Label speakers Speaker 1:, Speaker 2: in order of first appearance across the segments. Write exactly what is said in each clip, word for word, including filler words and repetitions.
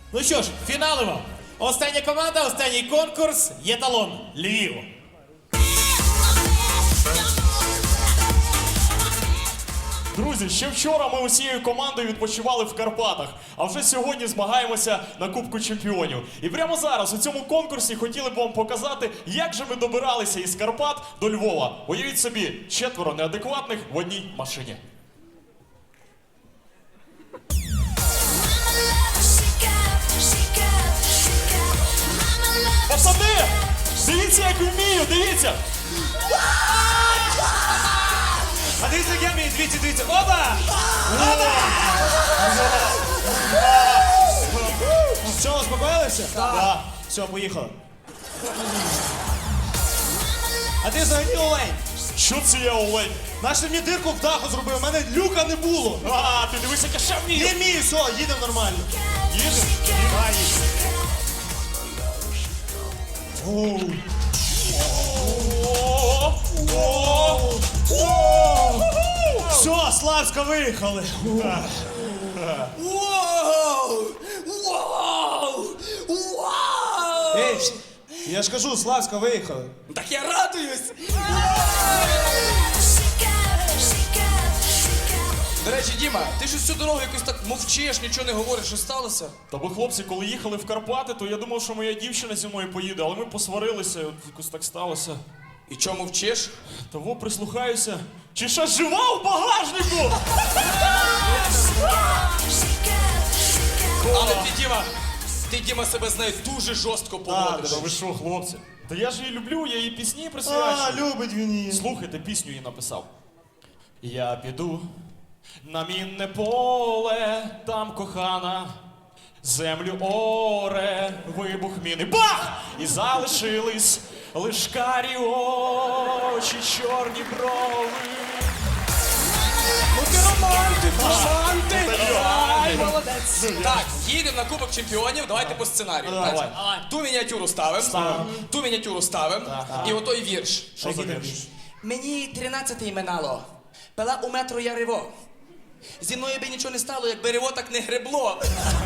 Speaker 1: Ну що ж, фіналимо. Остання команда, останній конкурс. Єталон Львів.
Speaker 2: Друзі, ще вчора ми усією командою відпочивали в Карпатах, а вже сьогодні змагаємося на Кубку Чемпіонів. І прямо зараз у цьому конкурсі хотіли б вам показати, як же ми добиралися із Карпат до Львова. Уявіть собі, четверо неадекватних в одній машині. Пацани, дивіться, як вмію, дивіться!
Speaker 3: А дивіться, як я вмію, дивіться, дивіться. Опа! Що, успокоїлися? Так. Все, поїхали. А ти взагалі олень.
Speaker 2: Що це я, олень?
Speaker 3: Наш мені дирку в даху зробив, у мене люка не було.
Speaker 2: А, ти дивись, як я ще вмію!
Speaker 3: Не вмію, все, їдемо нормально.
Speaker 2: Їдемо?
Speaker 3: Давай, їдемо. Все, Славська виїхали.
Speaker 4: Вау! Вау! Вау!
Speaker 3: Ей, я ж кажу, Славська виїхали.
Speaker 4: Так я радуюсь! До речі, Діма, ти щось всю дорогу якось так мовчиш, нічого не говориш, що сталося?
Speaker 2: Та бо, хлопці, коли їхали в Карпати, то я думав, що моя дівчина зі мною поїде, але ми посварилися, і от якось так сталося.
Speaker 4: І чому мовчиш?
Speaker 2: Того прислухаюся. Чи ще жива в багажнику?
Speaker 4: Але ти, Діма, ти, Діма, себе з нею дуже жорстко поводиш.
Speaker 2: Та ви що, хлопці? Та я ж її люблю, я її пісні
Speaker 3: А,
Speaker 2: присвячую.
Speaker 3: любить він її.
Speaker 2: Слухайте, пісню їй написав. Я піду на мінне поле, там кохана, землю оре, вибух міни. Бах! І залишились лиш карі очі, чорні брови.
Speaker 4: Ну ти романтик, романтик! Ай, молодець! Так, їдемо на Кубок Чемпіонів, давайте по сценарію.
Speaker 2: Давай.
Speaker 4: Значить, Ту мініатюру ставимо, ту мініатюру ставимо, і отой вірш.
Speaker 2: Що за вірш?
Speaker 4: Мені тринадцятий минало, пила у метро я риво. Зі мною би нічого не стало, якби риво так не гребло.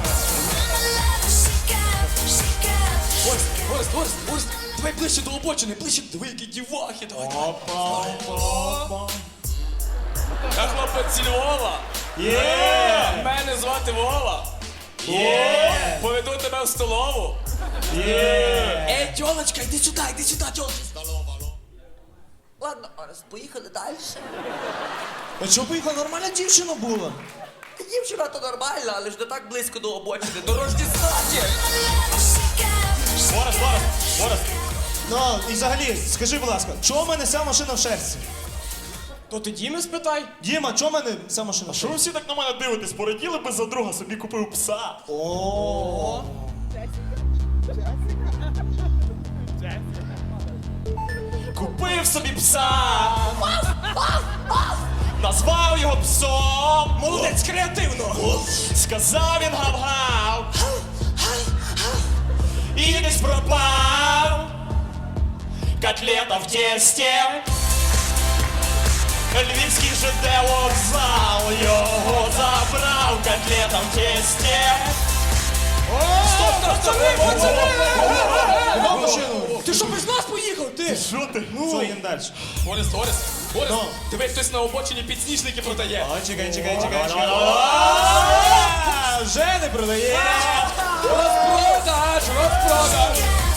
Speaker 4: Орест, Орест, Орест, Орест, давай ближче до обочини, ближче, диви, які дівахи, давай.
Speaker 2: Опа, опа.
Speaker 4: Я хлопець зі Львова.
Speaker 2: Є!
Speaker 4: Мене звати Вова.
Speaker 2: Є!
Speaker 4: Поведу тебе в столову.
Speaker 2: Є!
Speaker 4: Ей, тьолочка, йди сюди, йди сюди, тьолочка. Ладно, Орест, поїхали далі.
Speaker 3: А чого поїхала? Нормальна дівчина була.
Speaker 4: Дівчина то нормальна, але ж не так близько до обочини, до Рождества.
Speaker 2: Борис, Борис, Борис.
Speaker 3: Ну, і взагалі, скажи, будь ласка, чого в мене вся машина в шерсті?
Speaker 4: То ти Діми спитай.
Speaker 3: Діма, чого в мене вся машина в
Speaker 2: Що ви
Speaker 3: шерсті?
Speaker 2: всі так на мене дивитесь? Пораділи би за друга, собі купив пса.
Speaker 3: О.
Speaker 2: Купив собі пса. Назвав його псом.
Speaker 4: Молодець, креативно.
Speaker 2: Сказав він гав-гав. І десь пропав. Котлета в тесті. Львівський ЖД вокзал його забрав. Котлета в тесті.
Speaker 4: Стоп, стоп, стоп,
Speaker 3: Нема машину.
Speaker 4: ти що без нас поїхав, ти?
Speaker 2: Що ти?
Speaker 3: Що, їдемо далі?
Speaker 4: Орест, Орест, Орест,
Speaker 3: Ну.
Speaker 4: диви, хтось на обочині підсніжники продає.
Speaker 3: О, чекай, чекай, чекай, чекай. А, вже не продає.
Speaker 4: Розпродаж, розпродаж.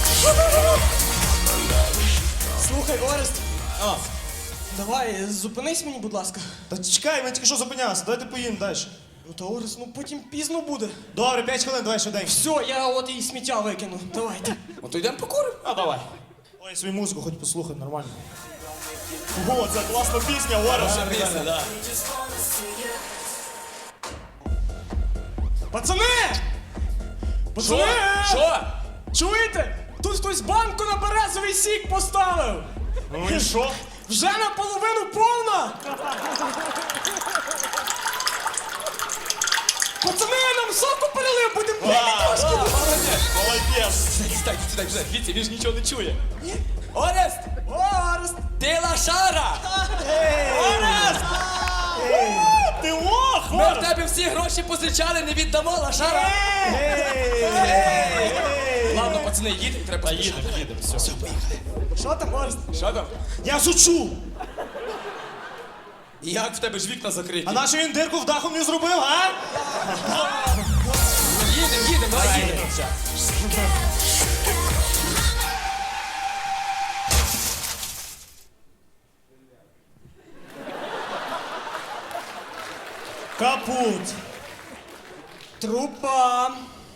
Speaker 5: Слухай, Орест,
Speaker 3: А,
Speaker 5: давай, зупинись мені, будь ласка.
Speaker 3: та чекай, ми тільки що зупинялися, давайте поїдемо далі.
Speaker 5: Ну та Орест, ну потім пізно буде.
Speaker 3: Добре, п'ять хвилин, давай швиденько.
Speaker 5: Все, я от і сміття викину. Давайте.
Speaker 4: Ну то йдемо покуримо.
Speaker 2: А давай.
Speaker 3: Ой, свою музику хоч послухай, нормально.
Speaker 2: О, це класна пісня, Орес.
Speaker 4: Пісня, да.
Speaker 5: Пацани! Пацани!
Speaker 4: Що?
Speaker 5: Чуєте? Тут хтось банку на березовий сік поставив!
Speaker 2: Ну і що?
Speaker 5: Вже наполовину повна! Пацани, нам соку перелив, будемо пити трошки!
Speaker 2: Молодець.
Speaker 4: Сідай, сідай, сідай, дивіться, він ж нічого не чує. Орест!
Speaker 5: Орест!
Speaker 4: Ти лошара!
Speaker 2: Орес! Ти лох,
Speaker 4: Ми в
Speaker 2: Орес!
Speaker 4: тебе всі гроші позичали, не віддамо лошара!
Speaker 3: Ей!
Speaker 4: Пацани, їдемо, треба
Speaker 2: Та
Speaker 4: поспішати.
Speaker 2: їдемо, їдемо, все.
Speaker 4: Все, поїхали.
Speaker 5: Що там можеш?
Speaker 4: Що там?
Speaker 3: Я шучу!
Speaker 4: Як в тебе ж вікна закриті?
Speaker 3: А наш він дирку в даху мені зробив, а?
Speaker 4: Їдемо, їдемо, давай їдемо.
Speaker 3: Капут.
Speaker 5: Трупа.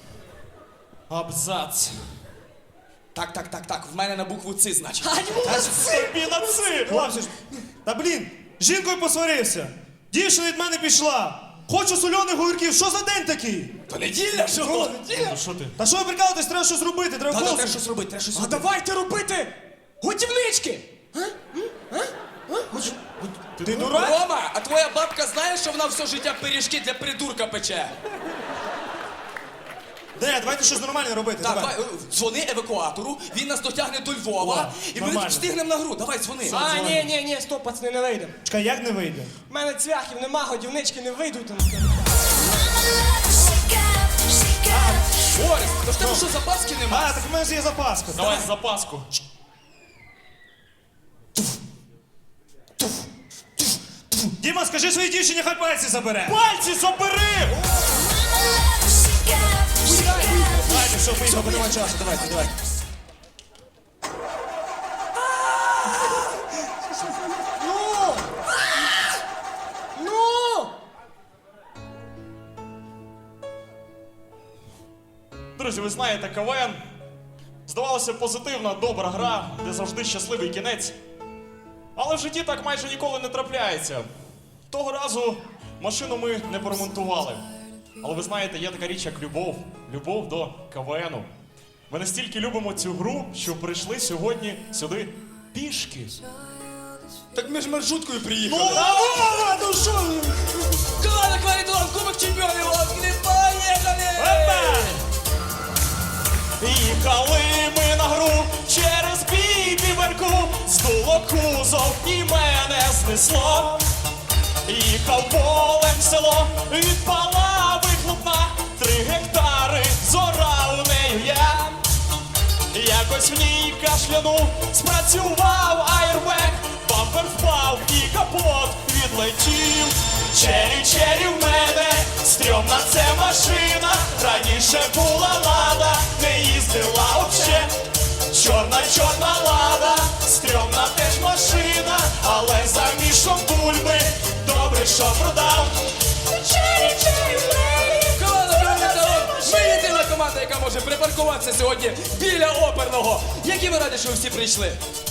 Speaker 2: Абзац.
Speaker 4: Так, так, так, так, в мене на букву Ц, значить.
Speaker 2: Тобі на ци!
Speaker 3: Хлопці ж. Та блін, з жінкою посварився. Дівчина від мене пішла. Хочу сольоних огірків. Що за день такий?
Speaker 4: То неділя, що?
Speaker 3: Ну,
Speaker 2: Ну що ти?
Speaker 3: Та що ви прикалуєтесь, треба щось робити, треба
Speaker 4: Та, та,
Speaker 3: голосу.
Speaker 4: треба щось робити, треба щось
Speaker 5: А
Speaker 4: робити.
Speaker 5: давайте робити готівнички.
Speaker 3: Ти дурак?
Speaker 4: Рома, а твоя бабка знає, що вона все життя пиріжки для придурка пече?
Speaker 3: Де, давайте щось нормальне робити.
Speaker 4: Так,
Speaker 3: давай.
Speaker 4: давай, е, дзвони евакуатору, він нас дотягне до Львова,
Speaker 3: О,
Speaker 4: і ми
Speaker 3: нормально.
Speaker 4: встигнемо на гру. Давай, дзвони.
Speaker 5: А, ні, ні, ні, стоп, пацани, не вийдемо.
Speaker 3: Чекай, як не вийде?
Speaker 5: У мене цвяхів нема, годівнички не вийдуть.
Speaker 4: Орес, то в тебе що, запаски
Speaker 3: А,
Speaker 4: нема?
Speaker 3: так в мене ж є запаска.
Speaker 2: Давай запаску.
Speaker 3: Діма, скажи своїй дівчині, хай пальці забере.
Speaker 2: Пальці забери!
Speaker 3: Давайте, все, поїхали, бо немає часу, давайте, давайте.
Speaker 5: Ну! Ну!
Speaker 2: Друзі, ви знаєте, КВН. Здавалося, позитивна, добра гра, де завжди щасливий кінець. Але в житті так майже ніколи не трапляється. Того разу машину ми не поремонтували. Але ви знаєте, є така річ, як любов. Любов до КВНу. Ми настільки любимо цю гру, що прийшли сьогодні сюди пішки.
Speaker 4: Так ми ж маршруткою приїхали.
Speaker 3: А, ну що?
Speaker 4: Команда Кваритон, Кубок Чемпіонів, Лоскіни, поїхали!
Speaker 2: Їхали ми на гру через бібіверку, здуло кузов і мене знесло. Їхав полем в село, відпала вихлопна, три гектари зорав нею я. Якось в ній кашлянув, спрацював аєрбек, бампер впав і капот відлетів. Чері, чері в мене, стрьомна це машина, раніше була лада, не їздила вообще. Чорна, чорна лада, стрьомна теж машина, але за мішом бульби, добре, що продав. Чері, чері в мене.
Speaker 4: Команда Кваритон, ми єдина команда, яка може припаркуватися сьогодні біля оперного. Які ви раді, що ви всі прийшли?